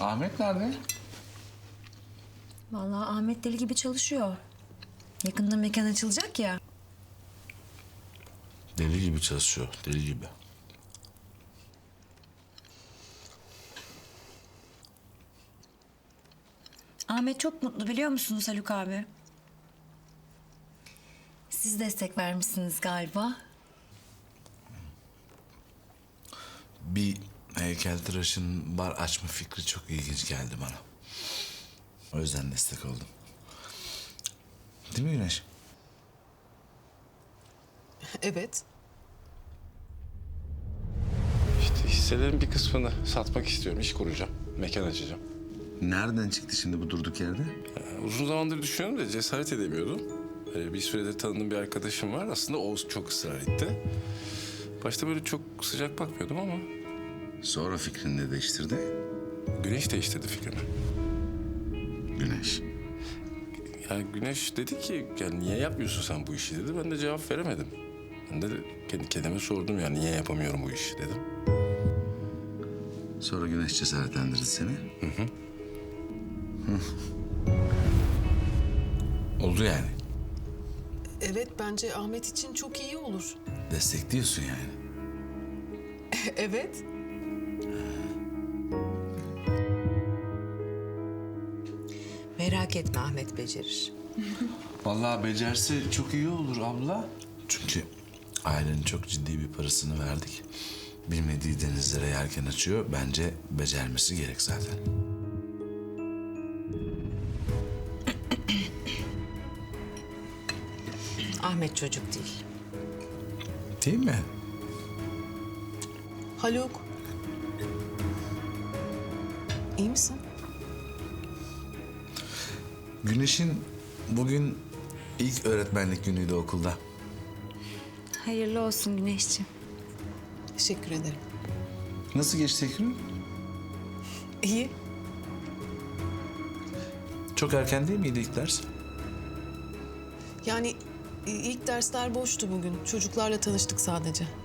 Ahmet nerede? Vallahi Ahmet deli gibi çalışıyor. Yakında mekan açılacak ya. Deli gibi çalışıyor, deli gibi. Ahmet çok mutlu biliyor musunuz Haluk abi? Siz destek vermişsiniz galiba. Bir heykeltıraşın bar açma fikri çok ilginç geldi bana. O yüzden destek oldum. Değil mi Güneş? Evet. İşte hisselerin bir kısmını satmak istiyorum. İş kuracağım. Mekan açacağım. Nereden çıktı şimdi bu durduk yerde? Uzun zamandır düşünüyorum da cesaret edemiyordum. Bir süredir tanıdığım bir arkadaşım var. Aslında o çok ısrar etti. Başta böyle çok sıcak bakmıyordum ama Sonra fikrini de değiştirdi. Güneş değiştirdi fikrimi. Güneş. Yani Güneş dedi ki yani niye yapmıyorsun sen bu işi dedi. Ben de cevap veremedim. Ben de kendi kendime sordum yani niye yapamıyorum bu işi dedim. Sonra Güneş cesaretlendirdi seni. Oldu yani. Evet, bence Ahmet için çok iyi olur. Destekliyorsun yani. Evet. Merak etme, Ahmet becerir. Vallahi becerse çok iyi olur abla. Çünkü ailenin çok ciddi bir parasını verdik. Bilmediği denizlere yelken açıyor. Bence becermesi gerek zaten. Ahmet çocuk değil. Değil mi? Haluk. İyi misin? Güneş'in bugün ilk öğretmenlik günüydü okulda. Hayırlı olsun Güneşciğim. Teşekkür ederim. Nasıl geçti gün? İyi. Çok erken değil miydi ilk ders? Yani ilk dersler boştu bugün. Çocuklarla tanıştık sadece.